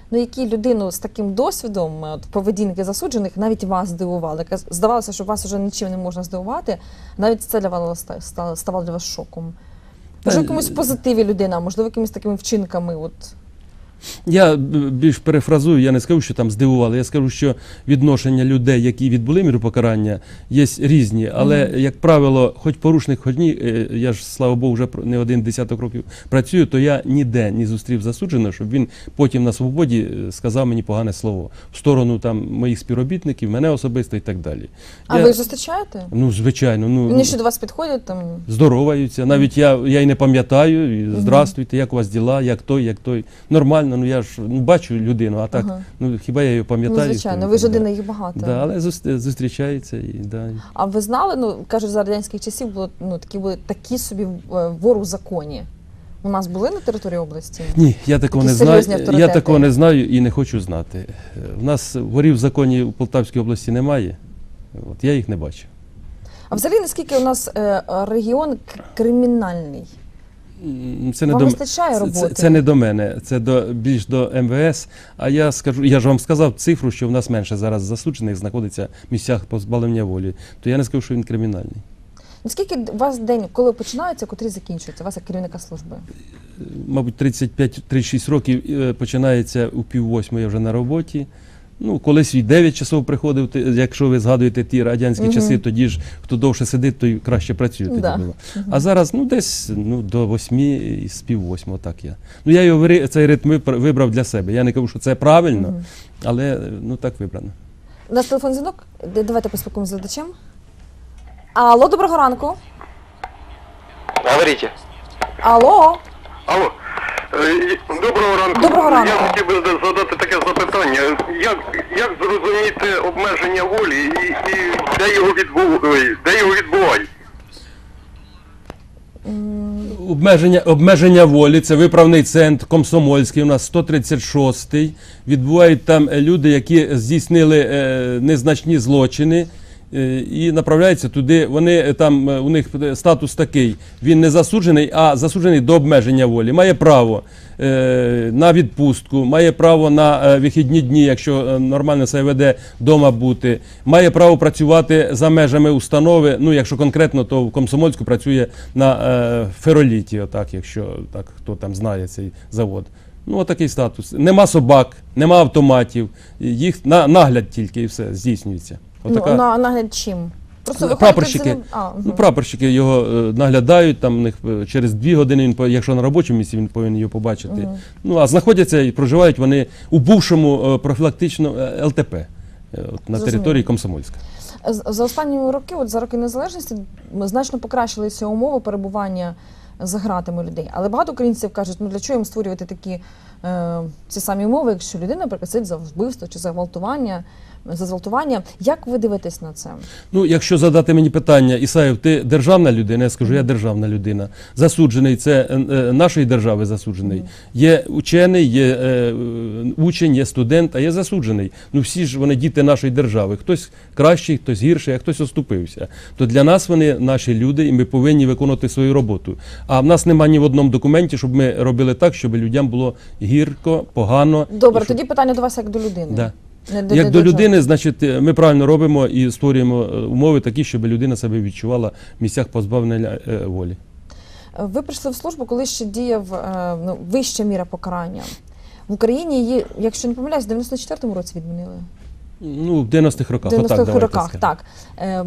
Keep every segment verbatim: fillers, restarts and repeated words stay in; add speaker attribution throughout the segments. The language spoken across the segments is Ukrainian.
Speaker 1: ну, які людину з таким досвідом от, поведінки засуджених навіть вас здивували? Здавалося, що вас вже нічим не можна здивувати, навіть це для вас ставало для вас шоком. Можливо, якомусь позитиві людина, можливо, якимись такими вчинками. От.
Speaker 2: Я більш перефразую, я не скажу, що там здивували, я скажу, що відношення людей, які відбули міропокарання, є різні, але, mm-hmm. як правило, хоч порушник, хоч ні, я ж, слава Богу, вже не один десяток років працюю, то я ніде не зустрів засудженого, щоб він потім на свободі сказав мені погане слово в сторону там моїх співробітників, мене особисто і так далі.
Speaker 1: А
Speaker 2: я,
Speaker 1: ви зустрічаєте?
Speaker 2: Ну, звичайно. Ну,
Speaker 1: Вони ще до вас підходять? Там...
Speaker 2: Здороваються, навіть я, я й не пам'ятаю, і, здравствуйте, як у вас діла, як той, як той. Нормально. Ну, я ж ну, бачу людину, а так, ага. ну, хіба я її пам'ятаю?
Speaker 1: Ну, звичайно, ви ж один, їх багато.
Speaker 2: Да, але зустрічаються. І, да.
Speaker 1: А ви знали, ну, кажуть, за радянських часів було, ну, такі, були такі собі вор у законі. У нас були на території області?
Speaker 2: Ні, я такого не знаю. Я такого не знаю і не хочу знати. У нас ворів в законі в Полтавській області немає. От, я їх не бачу.
Speaker 1: А взагалі, наскільки у нас е, регіон кримінальний?
Speaker 2: Це не,
Speaker 1: вам
Speaker 2: до,
Speaker 1: вистачає роботи?
Speaker 2: Це, це не до мене, це до, більш до ем ве ес. А я скажу, я ж вам сказав цифру, що в нас менше зараз засуджених знаходиться в місцях позбавлення волі. То я не скажу, що він кримінальний.
Speaker 1: Наскільки у вас день, коли починається, котрі закінчується? У вас як керівника служби?
Speaker 2: Мабуть, тридцять п'ять - тридцять шість років починається у пів восьмої вже на роботі. Ну, колись і дев'ять часов приходив, якщо ви згадуєте ті радянські uh-huh. часи, тоді ж хто довше сидить, той краще працює. Тоді
Speaker 1: да.
Speaker 2: було. Uh-huh. А зараз, ну, десь ну, до восьми і з пів восьмого, так я. Ну, я його, цей ритм вибрав для себе. Я не кажу, що це правильно, uh-huh. але, ну, так вибрано.
Speaker 1: У нас телефон дзвінок. Давайте поспілкуємося з глядачем. Алло, доброго ранку.
Speaker 3: Говорите.
Speaker 1: Алло.
Speaker 3: Алло. Доброго ранку.
Speaker 1: Доброго ранку.
Speaker 3: Я хотів би задати таке запитання. Як, як зрозуміти обмеження волі і, і де його відбувають? Де його відбувають?
Speaker 2: Обмеження, обмеження волі, це виправний центр Комсомольський, у нас сто тридцять шостий. Відбувають там люди, які здійснили е, незначні злочини. І направляються туди, вони там, у них статус такий, він не засуджений, а засуджений до обмеження волі. Має право е, на відпустку, має право на е, вихідні дні, якщо нормально себе веде, вдома бути, має право працювати за межами установи, ну якщо конкретно, то в Комсомольську працює на е, Фероліті, отак, якщо так, хто там знає цей завод. Ну, отакий статус. Нема собак, нема автоматів, їх на, нагляд тільки і все здійснюється.
Speaker 1: Отака... Ну, на нагляд чим?
Speaker 2: Просто прапорщики, а, угу. ну, прапорщики його е, наглядають, там, них, е, через дві години, він, якщо на робочому місці, він повинен його побачити. Угу. Ну, а знаходяться і проживають вони у бувшому е, профілактичному е, ел те пе е, от, на території Комсомольська.
Speaker 1: За останні роки, от за роки незалежності, значно покращилися умови перебування за ґратами людей. Але багато українців кажуть, ну для чого їм створювати такі е, ці самі умови, якщо людина, наприклад, сидить за вбивство чи за гвалтування, за зґвалтування. Як ви дивитесь на це?
Speaker 2: Ну, якщо задати мені питання, Ісаєв, ти державна людина? Я скажу, я державна людина. Засуджений, це е, нашої держави засуджений. Є учений, є е, учень, є студент, а є засуджений. Ну, всі ж вони діти нашої держави. Хтось кращий, хтось гірший, а хтось оступився. То для нас вони наші люди, і ми повинні виконувати свою роботу. А в нас немає ні в одному документі, щоб ми робили так, щоб людям було гірко, погано.
Speaker 1: Добре,
Speaker 2: щоб...
Speaker 1: тоді питання до вас як до людини.
Speaker 2: Да.
Speaker 1: Не, не,
Speaker 2: Як
Speaker 1: не
Speaker 2: до, до людини,
Speaker 1: чого.
Speaker 2: значить, ми правильно робимо і створюємо умови такі, щоб людина себе відчувала в місцях позбавлення е, волі.
Speaker 1: Ви прийшли в службу, коли ще діяв е, ну, вища міра покарання. В Україні її, якщо не помиляюсь, в дев'яносто четвертому році відмінили?
Speaker 2: Ну, в дев'яностих роках.
Speaker 1: В дев'яностих роках, так. Ем,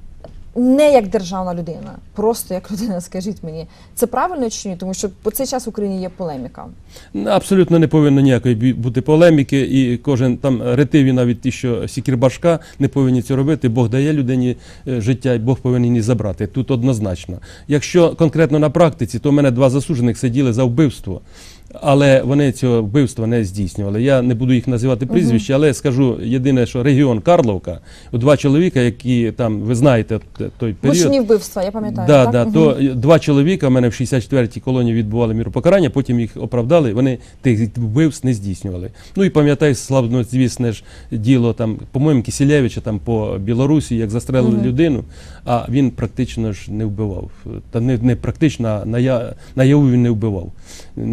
Speaker 1: не як державна людина, просто як людина, скажіть мені. Це правильно чи ні? Тому що по цей час в Україні є полеміка.
Speaker 2: Абсолютно не повинно ніякої бути полеміки, і кожен там ретиві, навіть ті, що сікірбашка, не повинні це робити. Бог дає людині життя, і Бог повинен її забрати. Тут однозначно. Якщо конкретно на практиці, то в мене два засуджених сиділи за вбивство. Але вони цього вбивства не здійснювали. Я не буду їх називати прізвища, але скажу єдине, що регіон Карловка, два чоловіка, які там, ви знаєте, той період...
Speaker 1: Мучні вбивства, я пам'ятаю,
Speaker 2: да,
Speaker 1: так?
Speaker 2: Да,
Speaker 1: угу.
Speaker 2: То два чоловіка, в мене в шістдесят четвертій колонії відбували міропокарання, потім їх оправдали, вони тих вбивств не здійснювали. Ну і пам'ятаю, славнозвісне ж діло, там, по-моєму, Кисілевича там по Білорусі, як застрелили угу. людину, а він практично ж не вбивав. Та не, не практично, а ная, наяву він не вбивав, не здійснював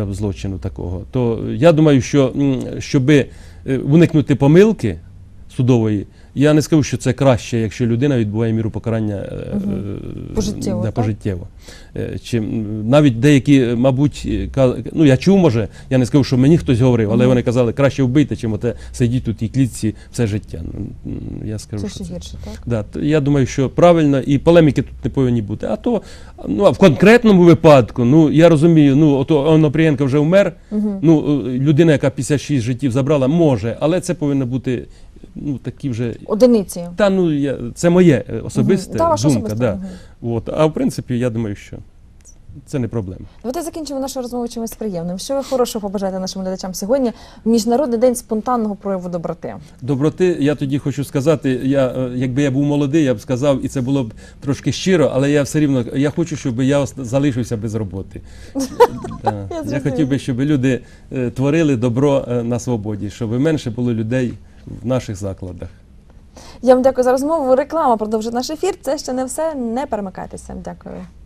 Speaker 2: нього злочину такого. То я думаю, що щоб уникнути помилки судової, я не скажу, що це краще, якщо людина відбуває міру покарання
Speaker 1: Угу. Пожиттєво,
Speaker 2: да,
Speaker 1: так?
Speaker 2: пожиттєво. Чи навіть деякі, мабуть, ну я чув, може, я не скажу, що мені хтось говорив, але
Speaker 1: Угу.
Speaker 2: вони казали, краще вбити, чим оте сидіти у тій клітці все життя. Я скажу,
Speaker 1: Це
Speaker 2: що
Speaker 1: ще
Speaker 2: це.
Speaker 1: гірше, так?
Speaker 2: Да, то я думаю, що правильно, і полеміки тут не повинні бути. А то, ну, а в конкретному випадку, ну, я розумію, ну, ото Онопрієнко вже вмер,
Speaker 1: Угу.
Speaker 2: ну, людина, яка п'ятдесят шість життів забрала, може, але це повинно бути, ну, такі вже,
Speaker 1: Одиниці.
Speaker 2: та, ну, я, це моє е, особисте
Speaker 1: Мгм. Та, ваша
Speaker 2: думка,
Speaker 1: особиста,
Speaker 2: да.
Speaker 1: мгм.
Speaker 2: От, а в принципі, я думаю, що це не проблема.
Speaker 1: Давайте закінчимо нашу розмову чимось приємним. Що ви хорошого побажаєте нашим глядачам сьогодні? Міжнародний день спонтанного прояву доброти.
Speaker 2: Доброти, я тоді хочу сказати, я, е, якби я був молодий, я б сказав, і це було б трошки щиро, але я все рівно, я хочу, щоб я ос- залишився без роботи. Да.
Speaker 1: Я
Speaker 2: Я
Speaker 1: зрозуміла.
Speaker 2: хотів би, щоб люди е, творили добро е, на свободі, щоб менше було людей в наших закладах.
Speaker 1: Я вам дякую за розмову. Реклама продовжить наш ефір. Це ще не все. Не перемикайтеся. Дякую.